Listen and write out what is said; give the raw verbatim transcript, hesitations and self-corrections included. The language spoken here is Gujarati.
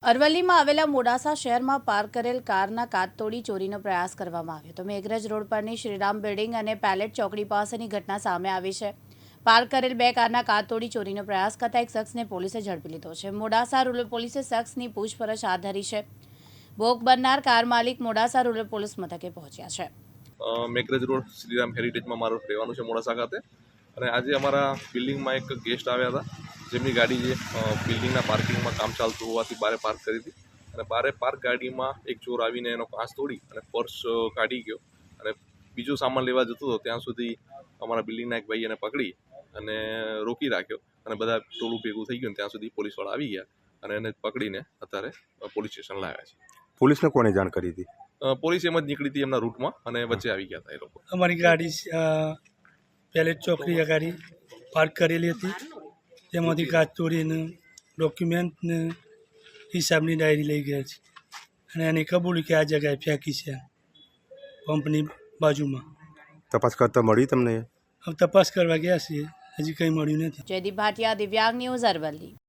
અરવલ્લીમાં આવેલા મોડાસા શહેરમાં પાર્ક કરેલ કારના કાચ તોડી ચોરીનો પ્રયાસ કરવામાં આવ્યો તો મેઘરજ રોડ પરની શ્રીરામ બિલ્ડિંગ અને પેલેટ ચોકડી પાસેની ઘટના સામે આવી છે। પાર્ક કરેલ બે કારના કાચ તોડી ચોરીનો પ્રયાસ કરતા એક શખ્સને પોલીસે ઝડપી લીધો છે। મોડાસા રૂરલ પોલીસે શખ્સની પૂછપરછ હાથ ધરી છે। ભોગ બનનાર કાર માલિક મોડાસા રૂરલ પોલીસ મથકે પહોંચ્યા છે। મેઘરજ રોડ શ્રીરામ હેરિટેજમાં મારું રહેવાનું છે મોડાસા ખાતે, અને આજે અમારા બિલ્ડિંગમાં એક ગેસ્ટ આવ્યા હતા, જેમની ગાડી જે બિલ્ડિંગના પાર્કિંગમાં કામ ચાલતું હોવાથી બારે પાર્ક કરી હતી, અને બારે પાર્ક ગાડીમાં એક ચોર આવીને એનો કાચ તોડી અને પર્સ કાઢી ગયો, અને બીજો સામાન લેવા જતો હતો ત્યાં સુધી અમારા બિલ્ડિંગના એક ભાઈ એને પકડી અને રોકી રાખ્યો, અને બધા ટોળું ભેગું થઈ ગયું ત્યાં સુધી પોલીસવાળા આવી ગયા અને એને પકડીને અત્યારે પોલીસ સ્ટેશન લાવ્યા છે। પોલીસને કોને જાણ કરી હતી? પોલીસ એમ જ નીકળી હતી એમના રૂટમાં અને વચ્ચે આવી ગયા હતા એ લોકો। અમારી ગાડી પેલેટ ચોકડી ગાડી પાર્ક કરેલી હતી, તેમાંથી કાચ તોડીને ડોક્યુમેન્ટ ને હિસાબની ડાયરી લઈ ગયા છે, અને એને કબૂલ્યું કે આ જગ્યાએ ફેંકી છે પંપની બાજુમાં। તપાસ કરતા મળી તમને? હવે તપાસ કરવા ગયા છીએ, હજી કંઈ મળ્યું નથી। જયદીપ ભાટિયા, દિવ્યાંગ ન્યૂઝ, અરવલ્લી।